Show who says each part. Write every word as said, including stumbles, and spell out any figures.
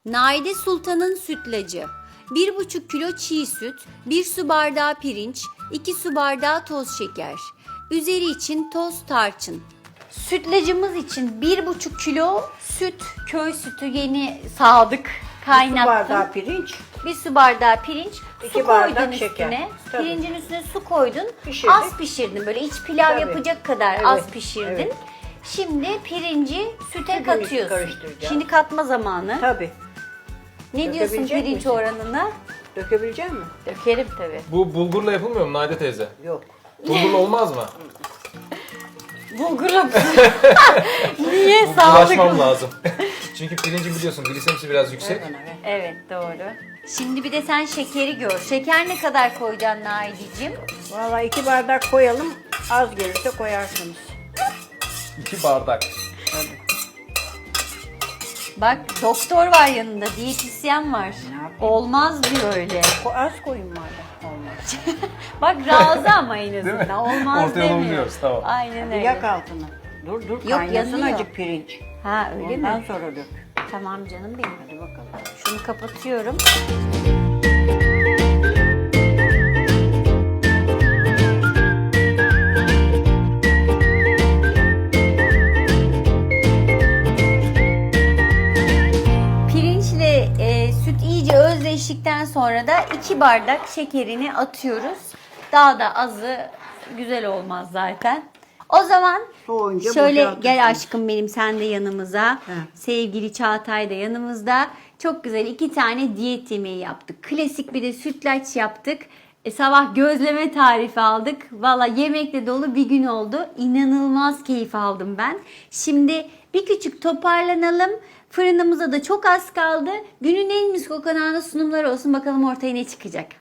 Speaker 1: Naide Sultan'ın sütlacı. bir buçuk kilo çiğ süt, bir su bardağı pirinç, iki su bardağı toz şeker. Üzeri için toz tarçın. Sütlacımız için bir buçuk kilo süt, köy sütü yeni sağdık, kaynattım.
Speaker 2: Bir su bardağı pirinç.
Speaker 1: Bir su bardağı pirinç,
Speaker 2: İki
Speaker 1: su
Speaker 2: bardak
Speaker 1: koydun
Speaker 2: şeker.
Speaker 1: üstüne.
Speaker 2: Tabii.
Speaker 1: Pirincin üstüne su koydun.
Speaker 2: Pişirdik.
Speaker 1: Az pişirdin, böyle iç pilav
Speaker 2: Tabii.
Speaker 1: yapacak kadar
Speaker 2: Evet,
Speaker 1: az pişirdin.
Speaker 2: evet.
Speaker 1: Şimdi pirinci süte
Speaker 2: Sütünü
Speaker 1: katıyorsun.
Speaker 2: karıştıracağım.
Speaker 1: Şimdi katma zamanı.
Speaker 2: Tabii.
Speaker 1: Ne diyorsun
Speaker 2: Dökebilecek
Speaker 1: pirinç
Speaker 2: misin?
Speaker 1: oranına?
Speaker 2: Dökebilecek misin?
Speaker 1: Dökerim tabii.
Speaker 3: Bu bulgurla yapılmıyor mu Naide teyze?
Speaker 2: Yok.
Speaker 3: Bulgurla olmaz mı?
Speaker 1: Bulgurum. Niye
Speaker 3: Ulaşmam lazım. Çünkü pirincin biliyorsun glisemisi biraz yüksek.
Speaker 2: Ver bana, ver.
Speaker 1: Evet doğru. Şimdi bir de sen şekeri gör. Şeker ne kadar koyacaksın Naide'cim?
Speaker 2: Vallahi iki bardak koyalım. Az gelirse koyarsınız.
Speaker 3: İki bardak.
Speaker 2: Tabii.
Speaker 1: Bak doktor var yanında, diyetisyen var.
Speaker 2: yapayım?
Speaker 1: Olmaz diyor öyle.
Speaker 2: Ko- Az koyun madem. Olmaz.
Speaker 1: Bak razı ama en
Speaker 3: Değil mi?
Speaker 1: azından. Olmaz
Speaker 3: Ortaya
Speaker 1: demiyor.
Speaker 3: buluyoruz, tamam.
Speaker 1: Aynen
Speaker 2: Hadi
Speaker 1: öyle.
Speaker 2: yak altını. Dur dur kaynasın
Speaker 1: yanıyor.
Speaker 2: acık pirinç.
Speaker 1: Ha öyle
Speaker 2: Ondan
Speaker 1: mi?
Speaker 2: sonra dök.
Speaker 1: Tamam canım benim.
Speaker 2: Hadi bakalım.
Speaker 1: Şunu kapatıyorum. Pirinçle e, süt iyice özleştikten sonra da iki bardak şekerini atıyoruz. Daha da azı güzel olmaz zaten. O zaman
Speaker 2: Soğuyunca
Speaker 1: şöyle
Speaker 2: boşaltırsın.
Speaker 1: gel aşkım benim, sen de yanımıza.
Speaker 2: He.
Speaker 1: Sevgili Çağatay da yanımızda. Çok güzel iki tane diyet yemeği yaptık. Klasik bir de sütlaç yaptık. E, sabah gözleme tarifi aldık. Valla yemekle dolu bir gün oldu. İnanılmaz keyif aldım ben. Şimdi bir küçük toparlanalım. Fırınımıza da çok az kaldı. Günün en mis kokan anı sunumları olsun. Bakalım ortaya ne çıkacak.